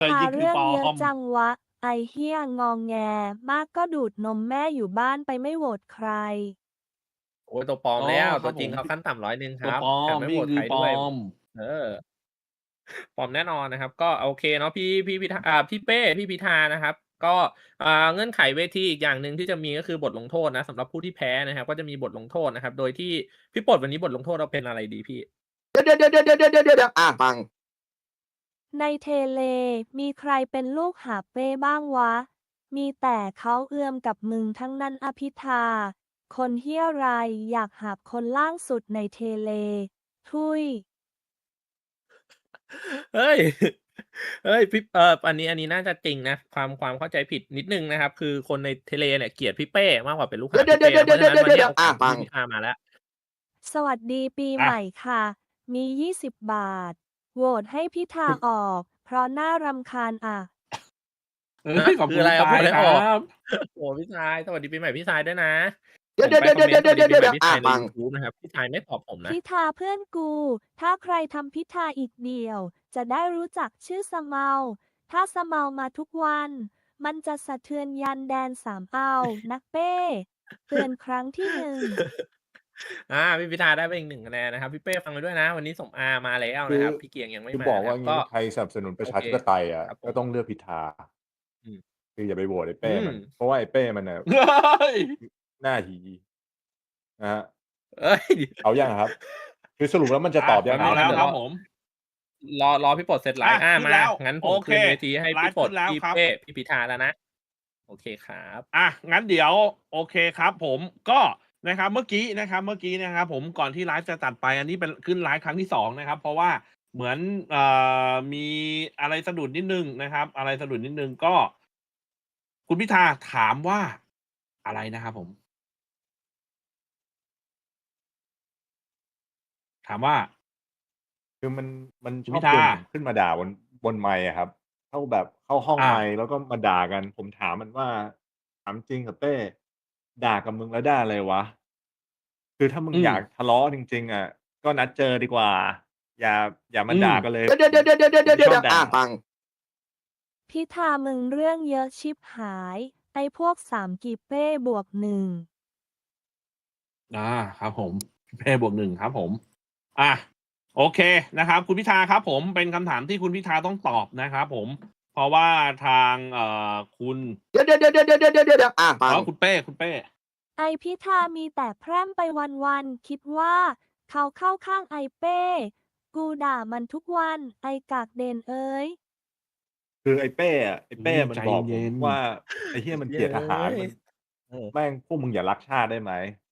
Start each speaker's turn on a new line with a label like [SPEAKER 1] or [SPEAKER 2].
[SPEAKER 1] แต่จ
[SPEAKER 2] พา
[SPEAKER 1] ริงๆคือปลอ
[SPEAKER 2] เรื่องเยอะ
[SPEAKER 1] ม
[SPEAKER 2] จังวะไอเหี้ยงอแงมากก็ดูดนมแม่อยู่บ้านไปไม่โหวตใคร
[SPEAKER 3] โอ้ยตัวปลอม
[SPEAKER 1] อ๋อ
[SPEAKER 3] แล้ว
[SPEAKER 1] ครับผม
[SPEAKER 3] ตัวจริงเขาขั้นต่ำ100ครับ
[SPEAKER 1] ตัวปลอ
[SPEAKER 3] แถมไม่โหวต
[SPEAKER 1] มพี่คือปลอ
[SPEAKER 3] ใครด้วย
[SPEAKER 1] ม
[SPEAKER 3] เออปลอมแน่นอนนะครับก็โอเคเนาะพี่พิธาพี่เป้พี่พิธานะครับก็เงื่อนไขเวทีอีกอย่างหนึ่งที่จะมีก็คือบทลงโทษนะสำหรับผู้ที่แพ้นะครับก็จะมีบทลงโทษนะครับโดยที่พี่ปลดวันนี้บทลงโทษเราเป็นอะไรดีพี่
[SPEAKER 4] เดี๋ยวฟัง
[SPEAKER 2] ในเทเลมีใครเป็นลูกหาบเป้บ้างวะมีแต่เขาเอือมกับมึงทั้งนั้นอภิธาคนเหี้ยไรอยากหาบคนล่างสุดในเทเลทุย
[SPEAKER 3] เฮ้ยเฮ้ยพี่อันนี้น่าจะจริงนะความเข้าใจผิดนิดหนึ่งนะครับคือคนในเทเลเนี่ยเกลียดพี่เป้มากกว่าเป็นลูก
[SPEAKER 4] เดี๋ยว
[SPEAKER 3] หาบพี่เป้นะเพราะฉะนั้นวันนี้โอกาสของ
[SPEAKER 4] ฟัง
[SPEAKER 3] พี่พิธามาแล้ว
[SPEAKER 2] สวัสดีปี
[SPEAKER 1] อะ
[SPEAKER 2] ใหม่ค่ะ มี20บาทโหวตให้พิธาออก เพราะน่ารำคาญอ่ะ
[SPEAKER 1] เฮ้
[SPEAKER 3] ฮะ
[SPEAKER 1] ยขอบ
[SPEAKER 3] คืออะไรครับโห
[SPEAKER 1] คุณพี่ทราย
[SPEAKER 3] วตให้ออก
[SPEAKER 1] ครับ
[SPEAKER 3] โอ้โฮพี่ทรายสวัสดีปีใหม่พี่ทรายด้วยนะ
[SPEAKER 4] เดี๋ยว
[SPEAKER 3] ผมไปคอมเมนต์สวัสดีปีใหม่พี่ทรายใน
[SPEAKER 4] ฟัง
[SPEAKER 3] ยูทูบนะครับพี่ทรายไม่ตอบผมนะ
[SPEAKER 2] พิธาเพื่อนกู ถ้าใครทำพิธาอีกเดียว จะได้รู้จักชื่อสะเมา ถ้าสะเมามาทุกวัน มันจะสะเทือนยันแดนสามเอานักเป้เตือนครั้งที่1
[SPEAKER 3] พี่พิธาได้ไปอีก1คะแนนนะครับพี่เป้ฟังไว้ด้วยนะวันนี้สมอามาแล้ว
[SPEAKER 5] คือ
[SPEAKER 3] นะครับพี่เกียงยังไม่
[SPEAKER 5] คือ
[SPEAKER 3] มา
[SPEAKER 5] บอกว่างี้
[SPEAKER 3] นะครับก็
[SPEAKER 5] ใครสนับสนุนป
[SPEAKER 3] โอเค
[SPEAKER 5] ระชาธิปไตยอะ
[SPEAKER 3] ครับผม
[SPEAKER 5] ก็ต้องเลือกพิธา
[SPEAKER 3] อืม
[SPEAKER 5] คืออย่าไปโหวตไอ้
[SPEAKER 3] อื
[SPEAKER 5] เป้
[SPEAKER 3] ม
[SPEAKER 5] มันเพราะว่าไอ้เป้มันน่ะ
[SPEAKER 1] เฮ้ย
[SPEAKER 5] หน้าหีนะครับ
[SPEAKER 3] เฮ้ย
[SPEAKER 5] เอายังอะครับคือสรุปแล้วมันจะตอบยังไง
[SPEAKER 1] เอาแล้ว
[SPEAKER 3] เดี๋ยว
[SPEAKER 1] ครับผม
[SPEAKER 3] รอพี่ปลดเสร็จไลฟ์มา
[SPEAKER 1] ขึ้นแล้ว
[SPEAKER 3] งั้นผ
[SPEAKER 1] โอเค
[SPEAKER 3] มคืนเวทีให้
[SPEAKER 1] ไลฟ์
[SPEAKER 3] พี่ปลด
[SPEAKER 1] ขึ้นแล้วครับ
[SPEAKER 3] พี่เป้พี่พิธาแล้วนะโอเคครับ
[SPEAKER 1] งั้นเดี๋ยวโอเคครับผมก็นะครับเมื่อกี้นะครับผมก่อนที่ไลฟ์จะตัดไปอันนี้เป็นขึ้นไลฟ์ครั้งที่2นะครับเพราะว่าเหมือนมีอะไรสะดุดนิดนึงนะครับอะไรสะดุดนิดนึงก็คุณพิธาถามว่าอะไรนะครับผมถามว่า
[SPEAKER 5] คือมัน
[SPEAKER 1] คุณพิธา
[SPEAKER 5] ชอบชวนผมขึ้นมาด่าบนไมค์อะครับเข้าห้อง
[SPEAKER 1] อ่า
[SPEAKER 5] ไมค์แล้วก็มาด่ากันผมถามมันว่าถามจริงเหรอเป้ด่ากับมึงแล้วได้อะไรวะคือถ้ามึง
[SPEAKER 1] อืม
[SPEAKER 5] อยากทะเลาะจริงๆอะก็นัดเจอดีกว่าอย่าอย่ามา
[SPEAKER 1] อืม
[SPEAKER 5] ด่ากันเลย
[SPEAKER 4] เดี๋ยว
[SPEAKER 5] ผมไม่ชอบด่า
[SPEAKER 4] ฟัง
[SPEAKER 2] พิธามึงเรื่องเยอะชิบหาย ไอ้พวก3กีเป้บวก1
[SPEAKER 1] ครับผมเป้บวก1ครับผมอ่ะโอเคนะครับคุณพิธาครับผมเป็นคำถามที่คุณพิธาต้องตอบนะครับผมเพราะว่าทางคุณ
[SPEAKER 4] เดี๋ยวฟัง
[SPEAKER 1] คุณเป้
[SPEAKER 2] ไอพิธามีแต่แพร่มไปวันๆคิดว่าเขาเข้าข้างไอเป้ กูด่ามันทุกวันไอกากเดนเอ้ย
[SPEAKER 5] คือไอ้เป้มัน
[SPEAKER 1] ใจ
[SPEAKER 5] บอกผม
[SPEAKER 1] เย็น
[SPEAKER 5] ว่าไอ้เหี้ยมันเกลียด
[SPEAKER 3] เย้
[SPEAKER 5] ทหาร
[SPEAKER 3] ย
[SPEAKER 5] มัน
[SPEAKER 3] เออ
[SPEAKER 5] แม่งพวกมึงอย่ารักชาติได้ไหม